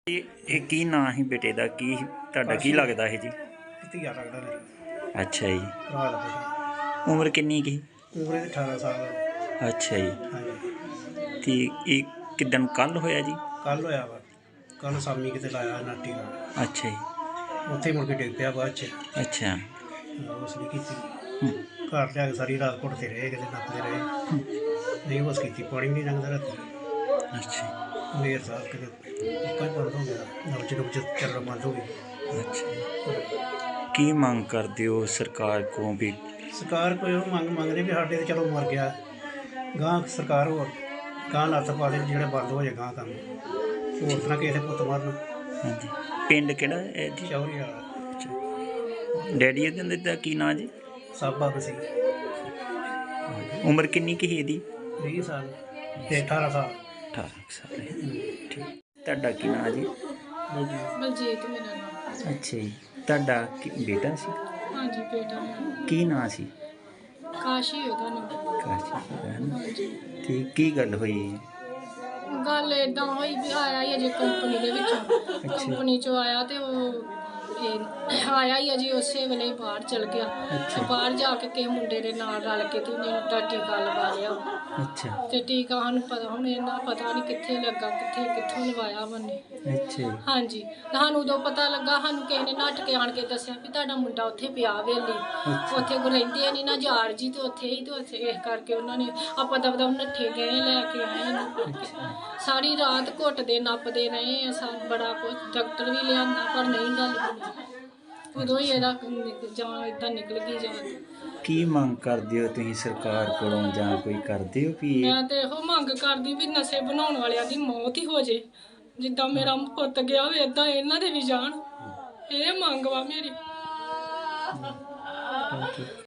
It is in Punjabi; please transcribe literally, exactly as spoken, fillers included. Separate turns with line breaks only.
ਇਹ ਕੀ ਨਾਂ ਸੀ ਬੇਟੇ ਦਾ? ਕੀ ਤੁਹਾਡਾ ਕੀ ਲੱਗਦਾ ਹੈ ਜੀ?
ਧੀਆ ਲੱਗਦਾ ਮੇਰਾ।
ਅੱਛਾ ਜੀ।
ਭਰਾ ਦਾ ਬੇਟਾ।
ਉਮਰ ਕਿੰਨੀ ਕੀ?
ਉਮਰ ਇਹਦੀ ਅਠਾਰਾਂ ਸਾਲ।
ਅੱਛਾ ਜੀ।
ਹਾਂਜੀ।
ਤੇ ਇਹ ਕਿਦਣ ਕੱਲ ਹੋਇਆ ਜੀ?
ਕੱਲ ਹੋਇਆ ਵਾ। ਕੱਲ ਸ਼ਾਮੀ ਕਿਤੇ ਲਾਇਆ ਨਾਟੀ ਦਾ।
ਅੱਛਾ ਜੀ।
ਉੱਥੇ ਮੁੜ ਕੇ ਡਿੱਗ ਪਿਆ ਬਾਅਦ 'ਚ।
ਅੱਛਾ।
ਉਸ ਨਹੀਂ ਕੀਤੀ।
ਹੂੰ।
ਘਰ ਲਿਆ ਕੇ ਸਾਰੀ ਰਾਤ ਘੁੱਟਦੇ ਰਹੇ, ਕਿਤੇ ਨੱਪਦੇ ਰਹੇ। ਨਹੀਂ ਬਸ ਕੀਤੀ, ਪਾਣੀ ਵੀ ਨਹੀਂ ਲੰਘਦਾ ਰਾਤੀ।
ਅੱਛਾ।
ਮੇਰ ਸਾਹਿਬ ਕਿਤੇ ਪੱਕਾ ਹੀ ਬੰਦ ਹੋ ਗਿਆ, ਨਬਜ ਨੁਬਜ ਚੱਲਣਾ ਬੰਦ ਹੋ ਗਈ।
ਅੱਛਾ। ਕੀ ਮੰਗ ਕਰਦੇ ਹੋ ਸਰਕਾਰ ਕੋਲੋਂ ਵੀ?
ਸਰਕਾਰ ਕੋਈ ਉਹ ਮੰਗ ਮੰਗਦੇ ਵੀ ਸਾਡੇ ਤੇ ਚਲੋ ਮਰ ਗਿਆ, ਗਾਂ ਸਰਕਾਰ ਹੋਰ ਗਾਂ ਲੱਤ ਪਾ ਦੇ ਜਿਹੜੇ ਬੰਦ ਹੋ ਜਾਏ ਗਾਂ ਕੰਮ, ਹੋਰ ਤਰ੍ਹਾਂ ਕਿਸੇ ਦੇ ਪੁੱਤ ਮਾਰਨ।
ਹਾਂਜੀ। ਪਿੰਡ ਕਿਹੜਾ ਹੈ ਜੀ?
ਚੌਰੀ ਵਾਲਾ।
ਅੱਛਾ। ਡੈਡੀ ਇਹਦੇ ਦਾ ਕੀ ਨਾਂ ਜੀ?
ਸਾਬਾ ਸੀ।
ਉਮਰ ਕਿੰਨੀ ਕੀ ਇਹਦੀ?
ਵੀਹ ਸਾਲ ਤੇ ਅਠਾਰਾਂ ਸਾਲ।
ਅਠਾਰਾਂ ਸਾਲ। ਠੀਕ। ਤੁਹਾਡਾ ਕੀ ਨਾਂ ਜੀ?
ਬਲਜੀਤ ਮੇਰਾ ਨਾਮ।
ਅੱਛਾ ਜੀ। ਤੁਹਾਡਾ ਕੀ ਬੇਟਾ ਸੀ?
ਹਾਂਜੀ ਬੇਟਾ ਮੇਰਾ।
ਕੀ ਨਾਂ ਸੀ?
ਕਾਸ਼ੀ ਉਹਦਾ ਨਾਮ।
ਕਾਸ਼ੀ ਹੈ ਨਾ? ਤੇ ਕੀ ਗੱਲ ਹੋਈ?
ਗੱਲ ਏਦਾਂ ਹੋਈ ਵੀ ਆਇਆ ਹੀ ਅਜੇ ਕੰਪਨੀ ਦੇ ਵਿੱਚੋਂ, ਕੰਪਨੀ ਚੋਂ ਆਇਆ ਤੇ ਉਹ ਇਹ ਆਇਆ ਹੀ ਅਜੇ ਉਸੇ ਵੇਲੇ ਹੀ ਬਾਹਰ ਚਲ ਗਿਆ। ਤੇ ਬਾਹਰ ਜਾ ਕੇ ਕਿਸੇ ਮੁੰਡੇ ਦੇ ਨਾਲ ਰਲ ਕੇ ਤੇ ਉਹਨੇ ਉਹਦਾ ਟੀਕਾ ਲਵਾ ਲਿਆ।
ਅੱਛਾ।
ਤੇ ਟੀਕਾ ਸਾਨੂੰ ਪਤਾ ਹੁਣ ਇਹਨਾਂ ਪਤਾ ਨਹੀਂ ਕਿੱਥੇ ਲੱਗਾ, ਕਿੱਥੇ ਕਿੱਥੋਂ ਲਵਾਇਆ ਮੰਨੇ।
ਅੱਛਾ।
ਹਾਂਜੀ। ਸਾਨੂੰ ਉਦੋਂ ਪਤਾ ਲੱਗਾ, ਸਾਨੂੰ ਕਿਸੇ ਨੇ ਨੱਠ ਕੇ ਆਣ ਕੇ ਦੱਸਿਆ ਵੀ ਤੁਹਾਡਾ ਮੁੰਡਾ ਉੱਥੇ ਪਿਆ ਵੇਲੀ, ਉੱਥੇ ਕੋ ਰਹਿੰਦੇ ਨਹੀਂ ਨਾ ਜਾਰ ਜੀ, ਤੇ ਉੱਥੇ ਹੀ ਤੇ ਉੱਥੇ ਇਸ ਕਰਕੇ ਉਹਨਾਂ ਨੇ ਆਪਾਂ ਦਬਦਾ ਨੱਠੇ ਗਏ ਲੈ ਕੇ ਆਏ ਇਹਨੂੰ। ਸਾਰੀ ਰਾਤ ਘੁੱਟਦੇ ਨੱਪਦੇ ਰਹੇ ਆ, ਸਾ ਬੜਾ ਕੁਝ ਡਾਕਟਰ ਵੀ ਲਿਆਂਦਾ ਪਰ ਨਹੀਂ ਗੱਲ ਬਣੀ। ਉਦੋਂ ਹੀ ਇਹਦਾ ਜਾਨ ਏਦਾਂ ਨਿਕਲ ਗਈ ਜਾਨ।
ਕੀ ਮੰਗ ਕਰਦੇ ਹੋ ਤੁਸੀਂ ਸਰਕਾਰ ਕੋਲੋਂ ਜਾਂ ਕੋਈ ਕਰਦੇ ਹੋ ਵੀ?
ਮੈਂ ਤੇ ਇਹੋ ਮੰਗ ਕਰਦੀ ਵੀ ਨਸ਼ੇ ਬਣਾਉਣ ਵਾਲਿਆਂ ਦੀ ਮੌਤ ਹੀ ਹੋ ਜੇ, ਜਿੱਦਾਂ ਮੇਰਾ ਪੁੱਤ ਗਿਆ ਹੋਵੇ ਏਦਾਂ ਇਹਨਾਂ ਦੇ ਵੀ ਜਾਣ। ਇਹ ਮੰਗ ਵਾ ਮੇਰੀ।